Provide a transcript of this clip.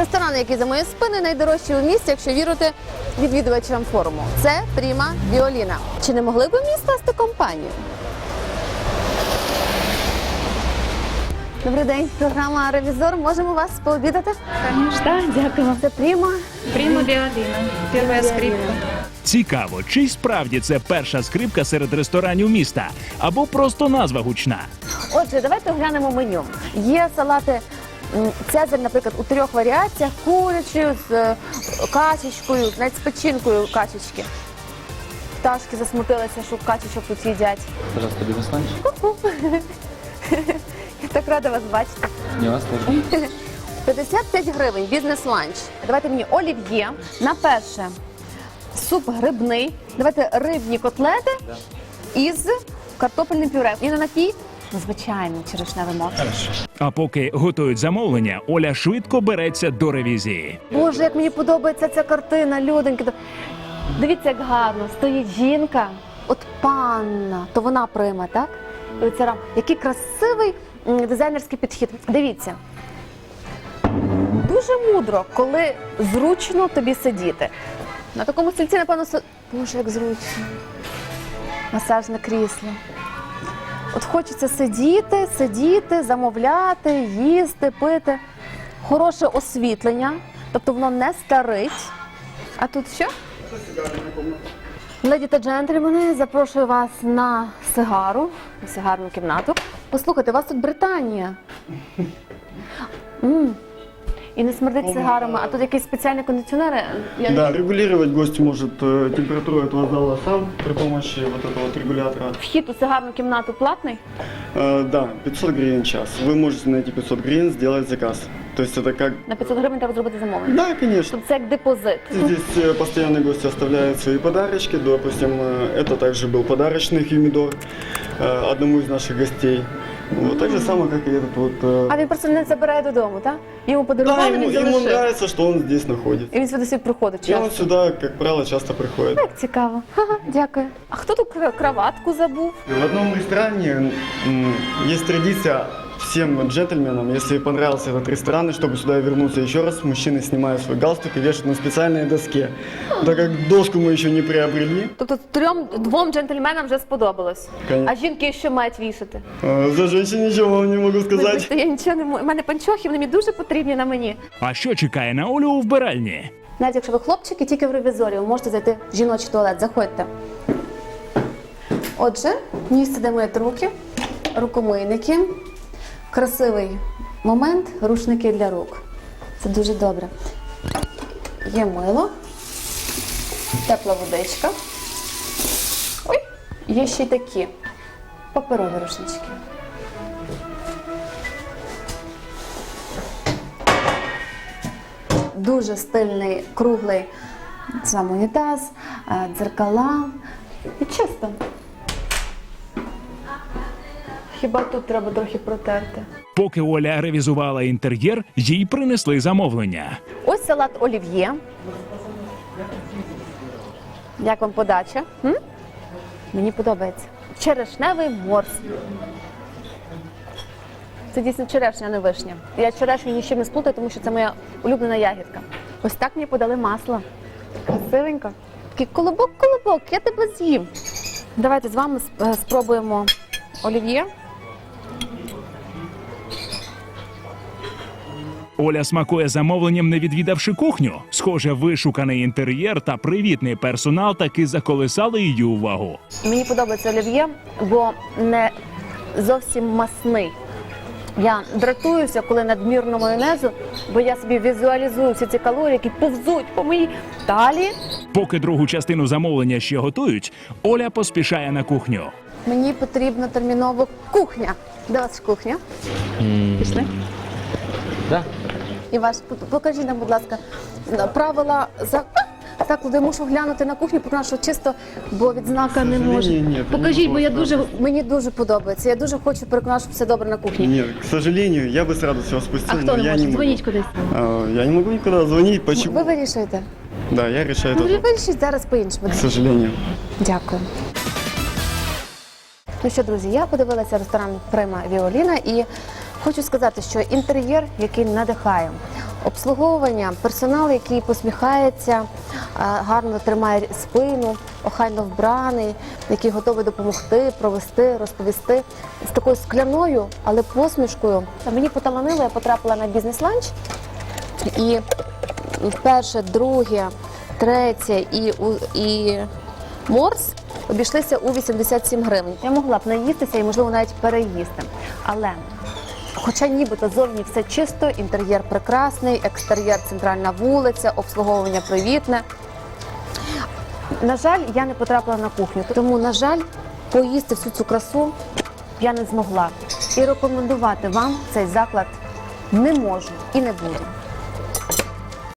Ресторан, який за моєю спиною, найдорожчий у місті, якщо вірити відвідувачам форуму. Це Prima Violina. Чи не могли б ви мені скласти компанію? Добрий день, програма «Ревізор». Можемо вас пообідати? Конечно, дякую. Це Prima. Prima Violina. Перша скрипка. Цікаво, чи й справді це перша скрипка серед ресторанів міста, або просто назва гучна. Отже, давайте оглянемо меню. Є салати «Цезарь», наприклад, у 3 варіаціях, курячою, з качечкою, навіть з печінкою качечки. Пташки засмутилися, що качечок тут їдять. Пожалуйста, бизнес-ланч. Я так рада вас бачити. Не вас тоже. 55 гривень, бізнес-ланч. Давайте мені олів'є. На перше суп грибний. Давайте рибні котлети із картопельним пюре. І на напій звичайний черешневий морс. А поки готують замовлення, Оля швидко береться до ревізії. Боже, як мені подобається ця картина, люденьки. Дивіться, як гарно. Стоїть жінка, от панна, то вона Прима, так? І оця рам. Який красивий дизайнерський підхід. Дивіться. Дуже мудро, коли зручно тобі сидіти. На такому стільці, напевно, Боже, як зручно. Масажне крісло. От хочеться сидіти, замовляти, їсти, пити. Хороше освітлення, тобто воно не старить. А тут що? Леді та джентльмени, запрошую вас на сигарну кімнату. Послухайте, у вас тут Британія. І не смердить сигарами, а тут якісь спеціальні кондиціонери. Да, регулировать гость может температуру этого зала сам при помощи вот этого вот регулятора. Вхід у сигарну кімнату платний? Да, 500 гривен в час. Вы можете на эти 500 гривен сделать заказ. То есть это как... На 500 гривень треба зробити замовлення? Да, конечно. Тобто це як депозит. Здесь постоянные гости оставляют свои подарочки. Допустим, это также был подарочный хюмидор одному из наших гостей. Вот, так же самое, как и этот вот... А він просто не забирає додому, так? Йому Да, подарували, він ему залишив. нравится, что он здесь находится. І він сюди собі приходить И он часто. сюда, как правило, часто приходит. Так цікаво. Ага, дякую. А хто тут краватку забув? В одном ресторане есть традиция всем джентльменам, если понравился этот ресторан, и чтобы сюда вернуться еще раз, мужчины снимают свой галстук и вешают на специальной доске. Так как доску мы еще не приобрели. Тобто двом джентльменам вже сподобалось. Конечно. А жінки що мають вішати? За женщин ничего вам не могу сказать. Вибачте, я нічого не можу. У мене панчохи, вони мені дуже потрібні на мені. А що чекає на Олю у вбиральні? Навіть якщо ви хлопчики, тільки в ревізорі, ви можете зайти в жіночий туалет. Заходьте. Отже, місце, де миють руки, рукомийники. Красивий момент, рушники для рук. Це дуже добре. Є мило, тепла водичка. Ой, є ще й такі паперові рушнички. Дуже стильний, круглий сам унітаз, дзеркала. І чисто. Хіба тут треба трохи протерти? Поки Оля ревізувала інтер'єр, їй принесли замовлення. Ось салат олів'є. Як вам подача? Мені подобається. Черешневий морс. Це дійсно черешня, а не вишня. Я черешню ні з чим не сплутаю, тому що це моя улюблена ягідка. Ось так мені подали масло. Красивенько. Такий колобок, я тебе з'їм. Давайте з вами спробуємо олів'є. Оля смакує замовленням, не відвідавши кухню. Схоже, вишуканий інтер'єр та привітний персонал таки заколисали її увагу. Мені подобається олів'є, бо не зовсім масний. Я дратуюся, коли надмірно майонезу, бо я собі візуалізую всі ці калорії, які повзуть по моїй талії. Поки другу частину замовлення ще готують, Оля поспішає на кухню. Мені потрібна терміново кухня. Де у вас кухня? Пішли? Да. І ваш, покажіть нам, будь ласка, правила закладу. Я мушу глянути на кухню, тому що чисто, бо відзнака не може. Ні, Покажіть, бо мені дуже подобається. Я дуже хочу переконати, що все добре на кухні. Нет, к сожалению, я бы с радостью вас пустил, А хто но не я може? не могу. Дзвоніть кудись. Я не могу никуда звонить, почему? Ви вирішуєте? Да, я решаю Ну, ви это, вирішіть зараз по-іншому. к сожалению. Дякую. Ну що, друзі, я подивилася ресторан Prima Violina і хочу сказати, що інтер'єр, який надихає. Обслуговування, персонал, який посміхається, гарно тримає спину, охайно вбраний, який готовий допомогти, провести, розповісти. З такою скляною, але посмішкою. Мені поталанило, я потрапила на бізнес-ланч. І перше, друге, третє і морс обійшлися у 87 гривень. Я могла б наїстися і, можливо, навіть переїсти. Але, хоча нібито зовні все чисто, інтер'єр прекрасний, екстер'єр центральна вулиця, обслуговування привітне. На жаль, я не потрапила на кухню, тому, на жаль, поїсти всю цю красу я не змогла. І рекомендувати вам цей заклад не можу і не буду.